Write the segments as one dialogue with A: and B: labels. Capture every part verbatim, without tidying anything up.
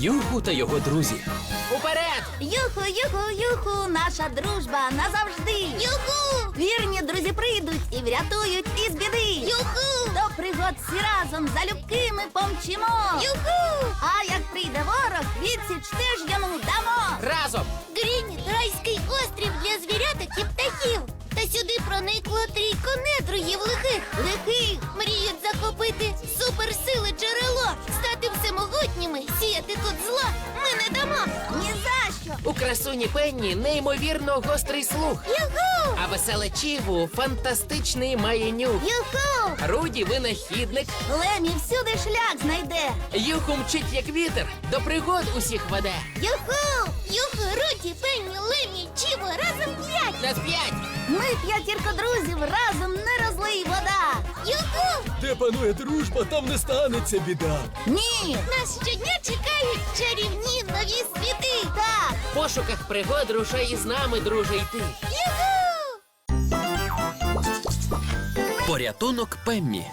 A: Юху та його друзі. Уперед!
B: Юху, юху, юху, наша дружба назавжди. Юху! Вірні друзі прийдуть і врятують із біди. Юху! До пригод всі разом залюбки ми помчимо. Юху! А як прийде ворог, відсіч теж йому дамо.
A: Разом!
B: Грінь – райський острів для звіряток і птахів. Та сюди проникло трійко недругів лихих. Лихих мріють захопити суперсили джерело, стати всемогутніми, сіяти тут зло ми не дамо. Ні за що.
A: У красуні Пенні неймовірно гострий слух.
B: Юху!
A: А веселе Чіву фантастичний має нюх.
B: Юху!
A: Руді винахідник.
B: Лемі всюди шлях знайде.
A: Юху мчить як вітер, до пригод усіх веде.
B: Юху! Юху, Руді, Пенні, Лемі, Чіво, разом п'ять.
A: На п'ять!
B: Ми п'ятірка друзів, разом не розлий вода. Юху!
C: Де панує дружба, там не станеться біда.
B: Ні! Нас щодня чекають чарівні нові світи. Так!
A: В пошуках пригод рушай із нами, друже, йти.
B: Юху!
A: Порятунок Пеммі.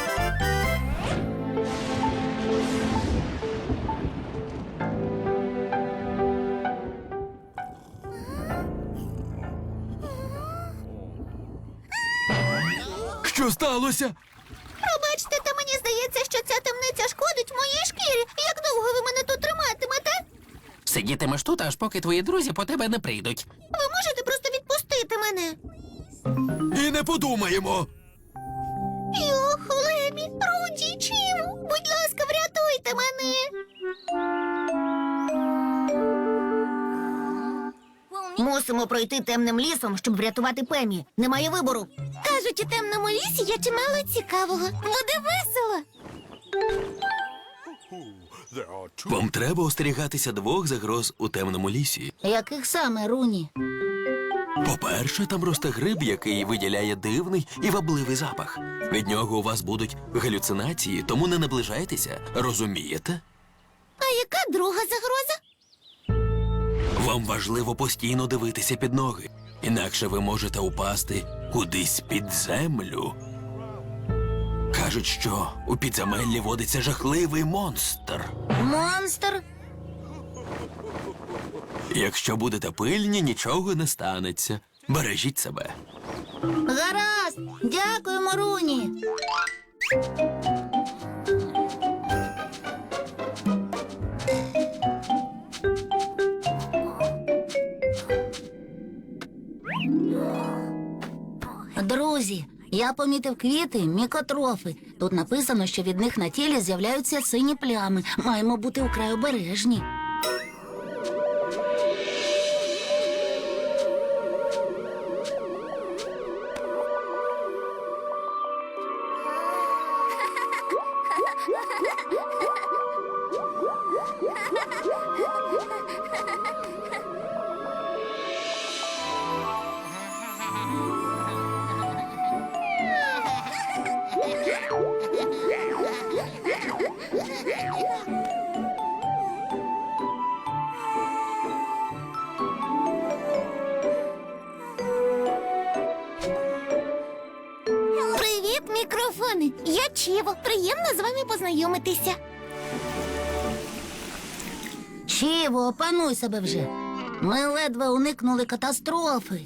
C: Що сталося?
B: Пробачте, та мені здається, що ця темниця шкодить моїй шкірі. Як довго ви мене тут триматимете?
A: Сидітимеш тут, аж поки твої друзі по тебе не прийдуть.
B: Ви можете просто відпустити мене?
C: І не подумаємо.
B: Юху, Лемі, Руді, Чіву, будь ласка, врятуйте мене. Мусимо пройти темним лісом, щоб врятувати Пемі. Немає вибору. Кажуть, у темному лісі є чимало цікавого. Буде весело.
C: Вам треба остерігатися двох загроз у темному лісі.
B: Яких саме, Руні?
C: По-перше, там росте гриб, який виділяє дивний і вабливий запах. Від нього у вас будуть галюцинації, тому не наближайтеся, розумієте?
B: А яка друга загроза?
C: Вам важливо постійно дивитися під ноги, інакше ви можете упасти кудись під землю. Кажуть, що у підземеллі водиться жахливий монстр.
B: Монстр?
C: Якщо будете пильні, нічого не станеться. Бережіть себе.
B: Гаразд. Дякуємо, Руні. Друзі, я помітив квіти, мікотрофи. Тут написано, що від них на тілі з'являються сині плями. Маємо бути вкрай обережні. Привіт, мікрофони! Я Чіво. Приємно з вами познайомитися. Чіво, опануй себе вже. Ми ледве уникнули катастрофи.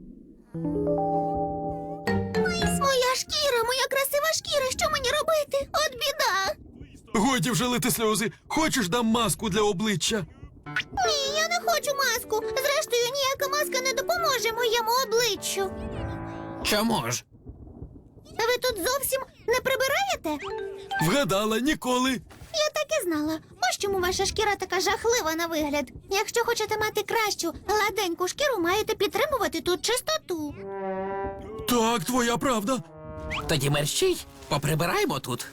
B: Моя шкіра, моя красива шкіра, що мені робити? От біда.
C: Годі вже лити сльози. Хочеш, дам маску для обличчя?
B: Ні, я не хочу маску. Зрештою, ніяка маска не допоможе моєму обличчю.
A: Чому ж?
B: Ви тут зовсім не прибираєте?
C: Вгадала, ніколи.
B: Я так і знала. Ось чому ваша шкіра така жахлива на вигляд. Якщо хочете мати кращу, гладеньку шкіру, маєте підтримувати тут чистоту.
C: Так, твоя правда.
A: Тоді мерщій, поприбираємо тут.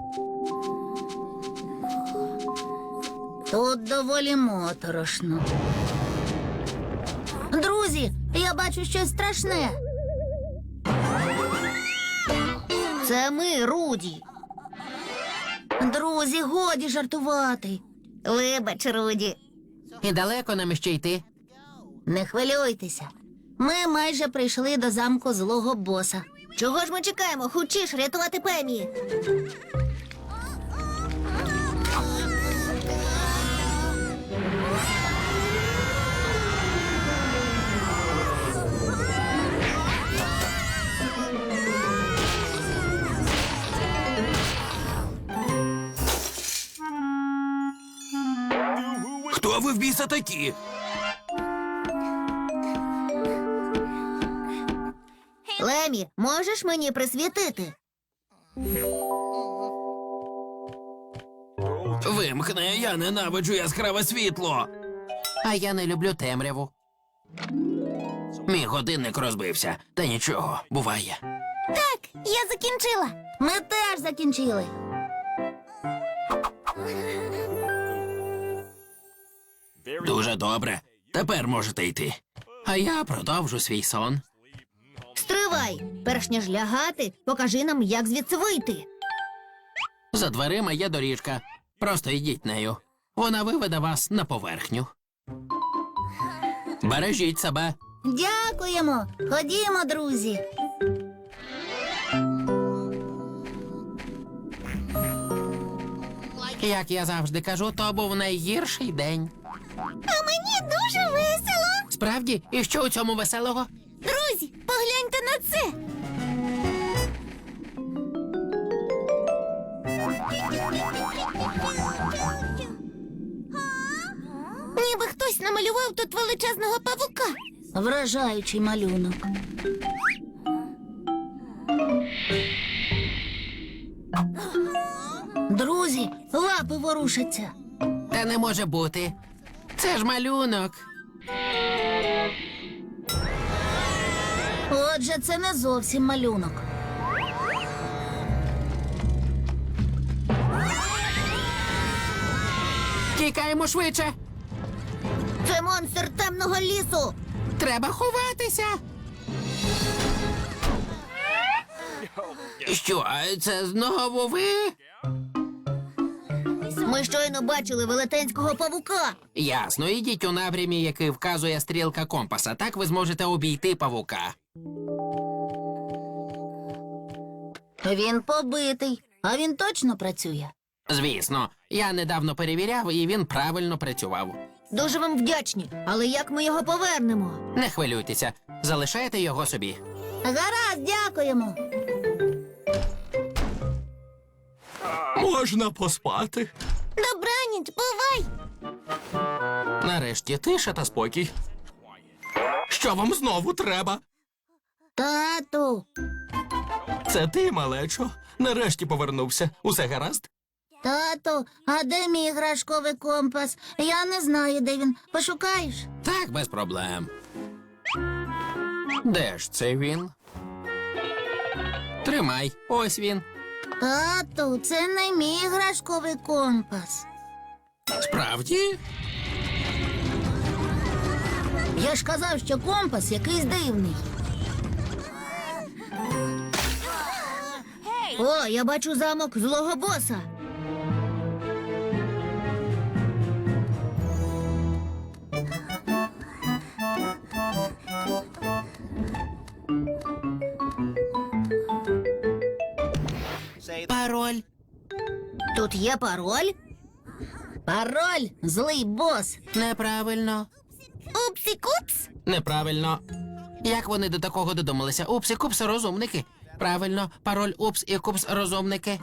B: Тут доволі моторошно. Друзі, я бачу щось страшне. Це ми, Руді. Друзі, годі жартувати. Вибач, Руді.
A: І далеко нам ще йти.
B: Не хвилюйтеся. Ми майже прийшли до замку злого боса. Чого ж ми чекаємо? Хочеш рятувати Пемі?
C: Хто ви в біса такі?
B: Лемі, можеш мені присвітити?
C: Вимкни, я ненавиджу яскраве світло.
A: А я не люблю темряву.
C: Мій годинник розбився. Та нічого, буває.
B: Так, я закінчила. Ми теж закінчили.
C: Дуже добре. Тепер можете йти.
A: А я продовжу свій сон.
B: Стривай! Перш ніж лягати, покажи нам, як звідси вийти.
A: За дверима є доріжка. Просто йдіть нею. Вона виведе вас на поверхню. Бережіть себе.
B: Дякуємо. Ходімо, друзі.
A: Як я завжди кажу, то був найгірший день.
B: А мені дуже весело.
A: Справді? І що у цьому веселого?
B: Друзі, погляньте на це. Ніби хтось намалював тут величезного павука. Вражаючий малюнок. Друзі, лапи ворушаться.
A: Та не може бути. Це ж малюнок.
B: Отже, це не зовсім малюнок.
A: Тікаємо швидше.
B: Це монстр темного лісу.
A: Треба ховатися.
C: Що, а це знову ви?
B: Ми щойно бачили велетенського павука.
A: Ясно, ідіть у напрямі, який вказує стрілка компаса. Так ви зможете обійти павука.
B: Він побитий, а він точно працює.
A: Звісно, я недавно перевіряв, і він правильно працював.
B: Дуже вам вдячні, але як ми його повернемо?
A: Не хвилюйтеся, залишайте його собі.
B: Гаразд, дякуємо.
C: Можна поспати.
B: Добраніч, бувай.
A: Нарешті тиша та спокій.
C: Що вам знову треба?
B: Тату.
C: Це ти, малечо. Нарешті повернувся. Усе гаразд?
B: Тату, а де мій іграшковий компас? Я не знаю, де він. Пошукаєш?
A: Так, без проблем. Де ж це він? Тримай, ось він.
B: Тату, це не мій іграшковий компас.
A: Справді?
B: Я ж казав, що компас якийсь дивний. О, я бачу замок злого боса.
A: Пароль.
B: Тут є пароль? Пароль, злий бос.
A: Неправильно.
B: Упсі-купс.
A: Неправильно. Як вони до такого додумалися? Упс і купс розумники. Правильно, пароль упс і купс розумники.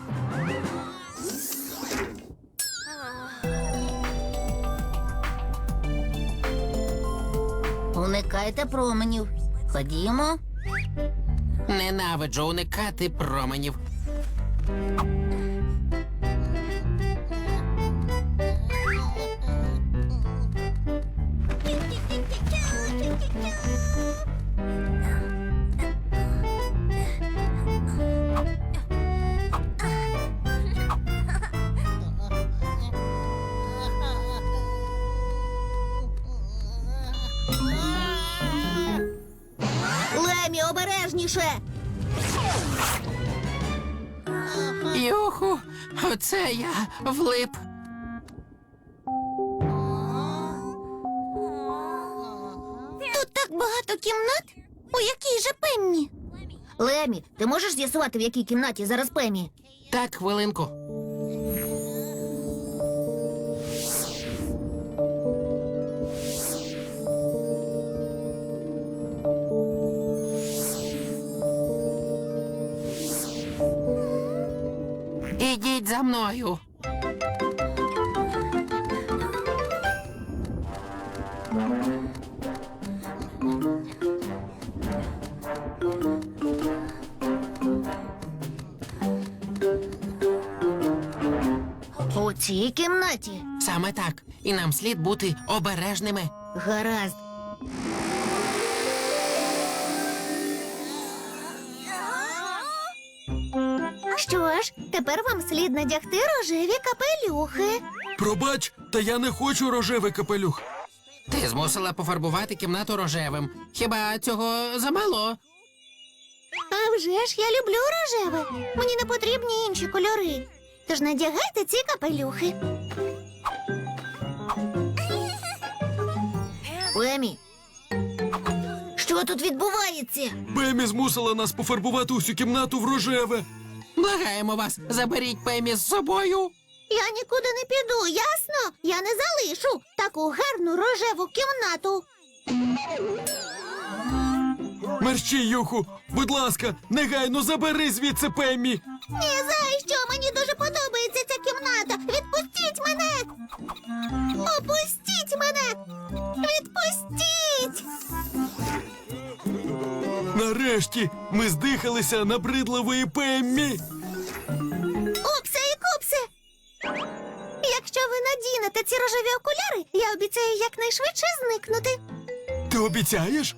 B: Уникайте променів. Ходімо.
A: Ненавиджу уникати променів.
B: Лемі, обережніше.
A: Юху, оце я влип.
B: Тут так багато кімнат. У якій же Пеммі? Лемі, ти можеш з'ясувати, в якій кімнаті зараз Пеммі?
A: Так, хвилинку. Ідіть за мною.
B: цій кімнаті.
A: Саме так. І нам слід бути обережними.
B: Гаразд. Що ж, тепер вам слід надягти рожеві капелюхи.
C: Пробач, та я не хочу рожевий капелюх.
A: Ти змусила пофарбувати кімнату рожевим. Хіба цього замало?
B: А вже ж я люблю рожеве. Мені не потрібні інші кольори. Тож надягайте ці капелюхи. Емі, що тут відбувається?
C: Пемі змусила нас пофарбувати усю кімнату в рожеве.
A: Благаємо вас, заберіть Пемі з собою.
B: Я нікуди не піду, ясно? Я не залишу таку гарну рожеву кімнату.
C: Мерщій, Юху, будь ласка, негайно забери звідси Пемі.
B: Ні за що, мені дуже подобається ця кімната. Відпустіть мене! Опустіть мене! Відпустіть!
C: Нарешті ми здихалися набридливої Пеммі.
B: Упсе і купсе! Якщо ви надінете ці рожеві окуляри, я обіцяю якнайшвидше зникнути.
C: Ти обіцяєш?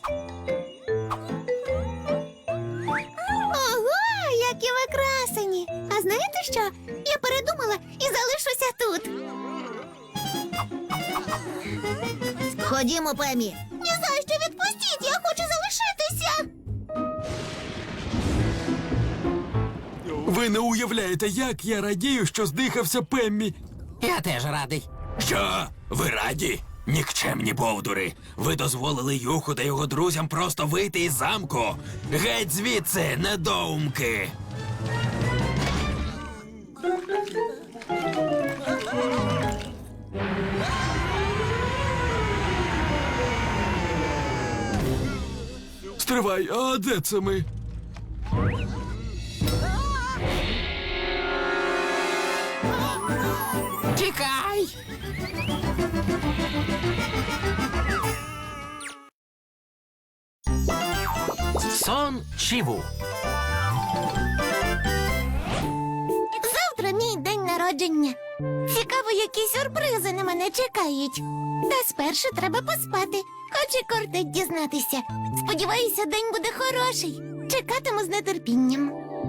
B: Ого, які ви красені! А знаєте що? Я передумала і залишуся тут. Ходімо, Пемі. Ні за що, відпустіть, я хочу залишитися.
C: Ви не уявляєте, як я радію, що здихався Пеммі.
A: Я теж радий.
C: Що? Ви раді? Нікчемні бовдури. Ви дозволили Юху та його друзям просто вийти із замку. Геть звідси, недоумки. Стривай, а де це ми?
A: Тікай! Сон Чіву.
B: Завтра мій день народження. Цікаво, які сюрпризи на мене чекають. Та спершу треба поспати, хоч і кортить дізнатися. Сподіваюся, день буде хороший. Чекатиму з нетерпінням.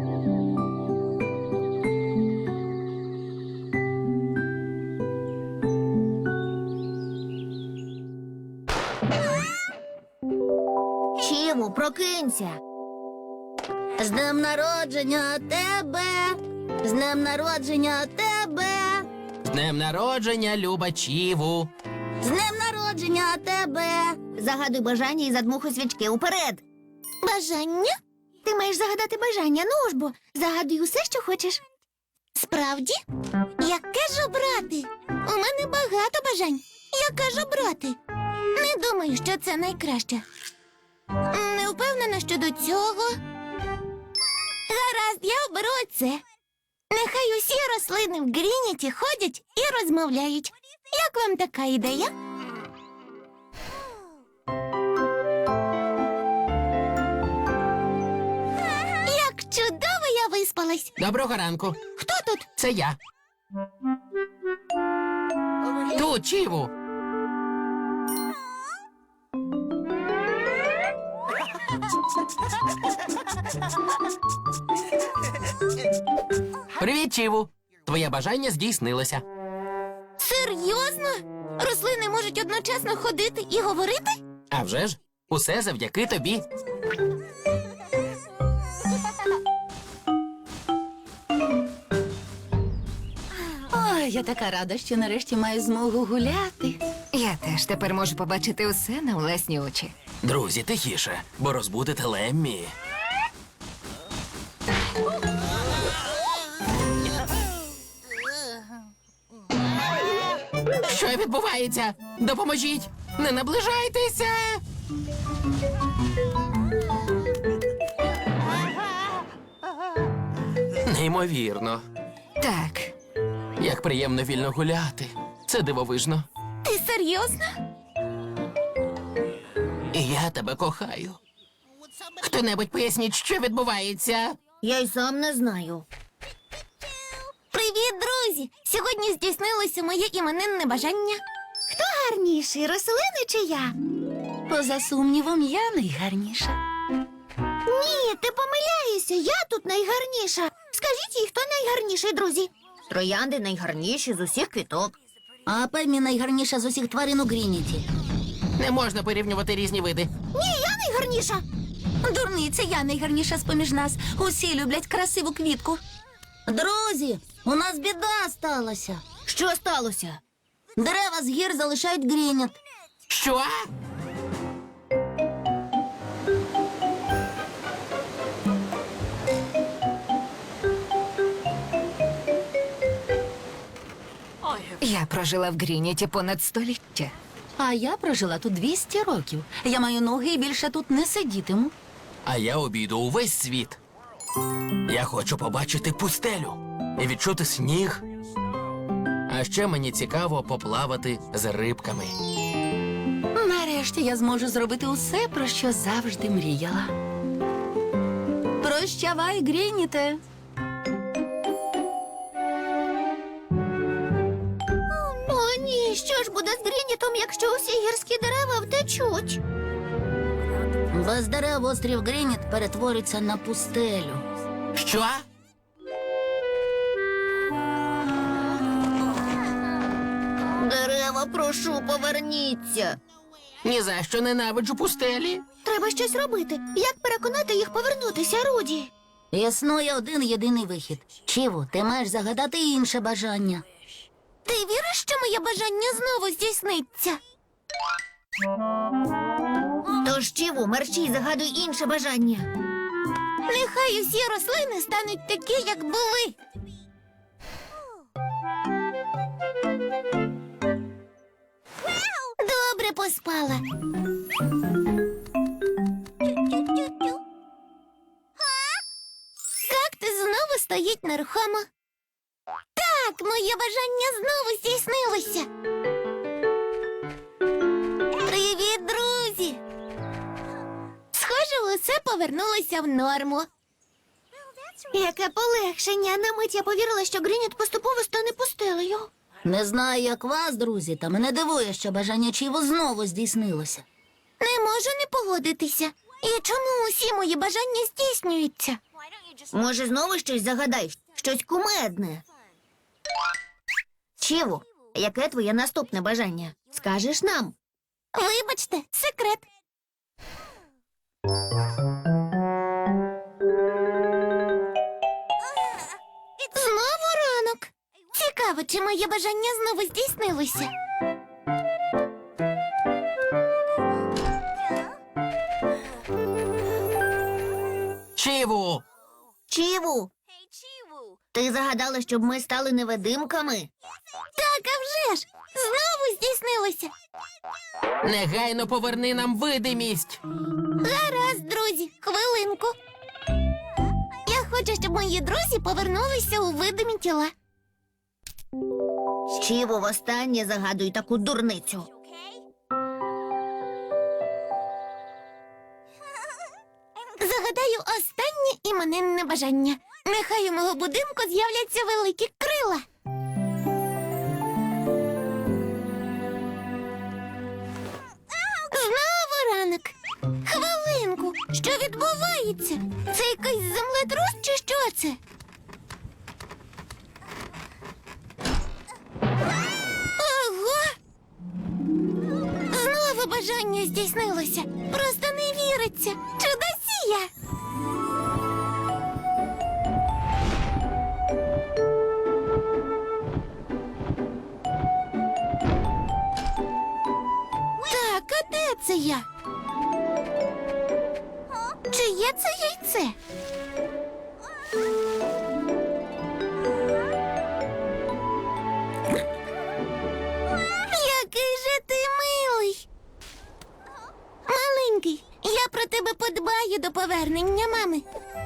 B: Чіву, прокинься. З днем народження тебе. З днем народження тебе.
A: З днем народження, Люба Чіву.
B: З днем народження тебе. Загадуй бажання і задмухуй свічки уперед. Бажання? Ти маєш загадати бажання, ну ж бо. Загадуй усе, що хочеш. Справді? Яке ж обрати? У мене багато бажань. Яке ж обрати? Не думаю, що це найкраще. Не впевнена щодо цього. Гаразд, я оберу оце. Нехай усі рослини в Грініті ходять і розмовляють. Як вам така ідея? Як чудово я виспалась.
A: Доброго ранку.
B: Хто тут?
A: Це я. Тут, Чіву. Привіт, Чіву. Твоє бажання здійснилося.
B: Серйозно? Рослини можуть одночасно ходити і говорити?
A: А вже ж, усе завдяки тобі.
D: Ой, я така рада, що нарешті маю змогу гуляти.
E: Я теж тепер можу побачити усе на власні очі.
C: Друзі, тихіше, бо розбудете Леммі.
A: Що відбувається? Допоможіть! Не наближайтеся! Неймовірно.
E: Так,
A: Як приємно вільно гуляти. Це дивовижно.
B: Ти серйозно?
A: І я тебе кохаю. Хто-небудь поясніть, що відбувається?
B: Я й сам не знаю. Привіт, друзі! друзі! Сьогодні здійснилося моє іменинне бажання. Хто гарніший, рослини чи я?
D: Поза сумнівом, я найгарніша.
B: Ні, ти помиляєшся, я тут найгарніша. Скажіть їй, хто найгарніший, друзі? Троянди найгарніші з усіх квіток. А Пеммі найгарніша з усіх тварин у Грініті.
A: Не можна порівнювати різні види.
B: Ні, я найгарніша.
D: Дурниця, я найгарніша з-поміж нас. Усі люблять красиву квітку.
B: Друзі, у нас біда сталася. Що сталося? Дерева з гір залишають Грініт.
A: Що?
E: Я прожила в Грініті понад століття.
D: А я прожила тут двісті років. Я маю ноги і більше тут не сидітиму.
C: А я обійду увесь світ. Я хочу побачити пустелю і відчути сніг.
A: А ще мені цікаво поплавати з рибками.
D: Нарешті я зможу зробити усе, про що завжди мріяла. Прощавай, Грініте.
B: О, ні, що ж буде з Грінітом, якщо усі гірські дерева втечуть? Без дерев острів Грініт перетвориться на пустелю.
A: Що?
B: Дерева, прошу, поверніться.
A: Ні за що ненавиджу пустелі.
B: Треба щось робити. Як переконати їх повернутися, Руді? Існує один єдиний вихід. Чіву, ти маєш загадати інше бажання. Ти віриш, що моє бажання знову здійсниться? Тож, Чіву, мерщій, загадуй інше бажання. Нехай усі рослини стануть такі, як були. Добре поспала. Кактус знову стоїть нерухомо. Так, моє бажання знову здійснилося. Привіт, друзі! Схоже, усе повернулося в норму. Яке полегшення. На мить я повірила, що Грініт поступово стане пустелею. Не знаю, як вас, друзі, та мене дивує, що бажання Чіву знову здійснилося. Не можу не погодитися. І чому усі мої бажання здійснюються? Може, знову щось загадай, щось кумедне. Чіву, яке твоє наступне бажання? Скажеш нам? Вибачте, секрет. Знову ранок. Цікаво, чи моє бажання знову здійснилося.
A: Чіву!
B: Чіву, ти загадала, щоб ми стали невидимками? Так, а вже ж! Знову здійснилося.
A: Негайно поверни нам видимість.
B: Гаразд, друзі, хвилинку. Я хочу, щоб мої друзі повернулися у видимі тіла. Чіву, востаннє загадуй таку дурницю. Загадаю останнє іменинне бажання. Нехай у мого будинку з'являться великі крила. Знову ранок. Хвилинку. Що відбувається? Це якийсь землетрус чи що це? Ого! Знову бажання здійснилося. Просто не віриться. Чудосія! Так, а де це я? Чиє це яйце? Який же ти милий. Маленький, я про тебе подбаю до повернення мами.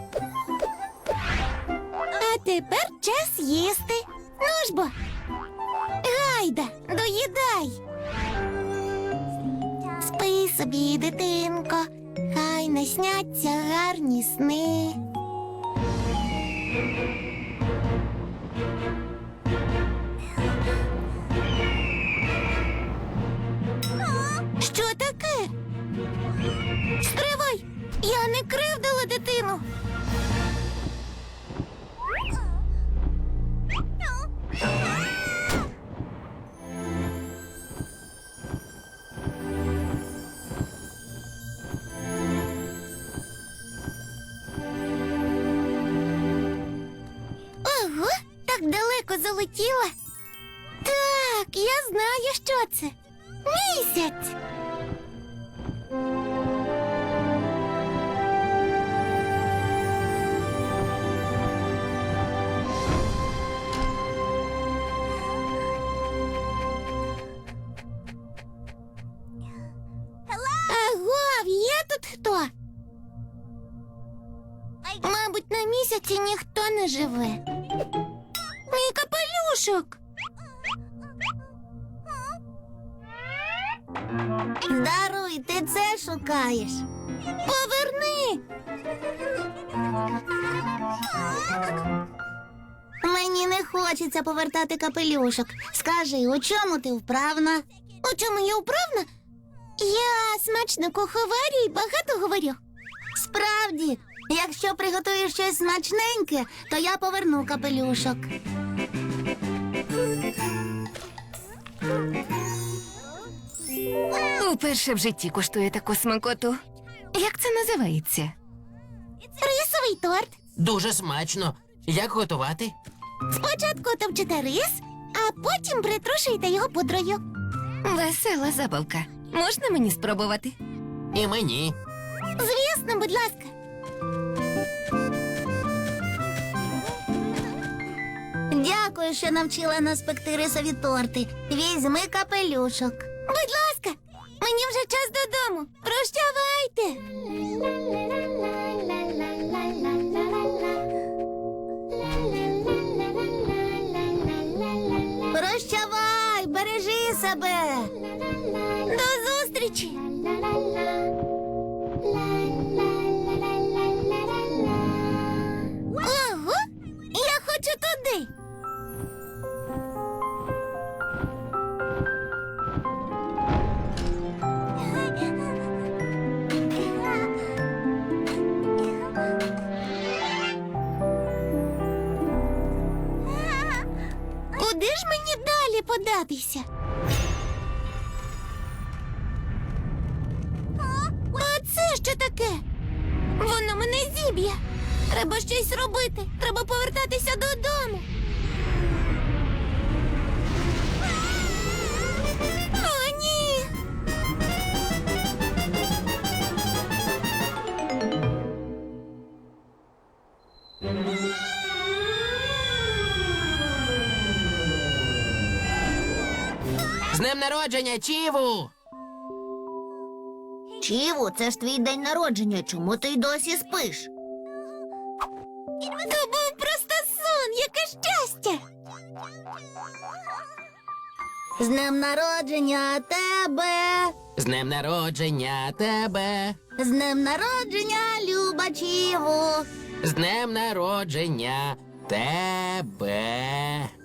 B: А тепер час їсти. Ну ж бо. Гайда, доїдай. Спи собі, дитинко, хай насняться гарні сни. Ого, так далеко залетіла. Так, я знаю, що це. Місяць. Агов, є тут хто? Мабуть, на місяці ніхто не живе. Мій капелюшок. Даруй, ти це шукаєш. Поверни. Мені не хочеться повертати капелюшок. Скажи, у чому ти вправна? У чому я вправна? Я смачно куховарю і багато говорю. Справді, якщо приготуєш щось смачненьке, то я поверну капелюшок.
E: Уперше в житті куштує таку смакоту. Як це називається?
B: Рисовий торт.
A: Дуже смачно. Як готувати?
B: Спочатку товчите рис, а потім притрушуєте його пудрою.
E: Весела забавка. Можна мені спробувати?
A: І мені.
B: Звісно, будь ласка. Дякую, що навчила нас пекти рисові торти. Візьми капелюшок. Будь ласка, мені вже час додому. Прощавайте. Прощавай, бережи себе. До зустрічі. Ого, я хочу туди. Куди ж мені далі податися? А це що таке? Воно мене зіб'є. Треба щось робити. Треба повертатися додому. О, ні!
A: З днем народження, Чіву!
B: Чіву, це ж твій день народження. Чому ти й досі спиш? То був просто сон. Яке щастя! З днем народження тебе!
A: З днем народження тебе!
B: З днем народження, Люба Чіву!
A: З днем народження тебе!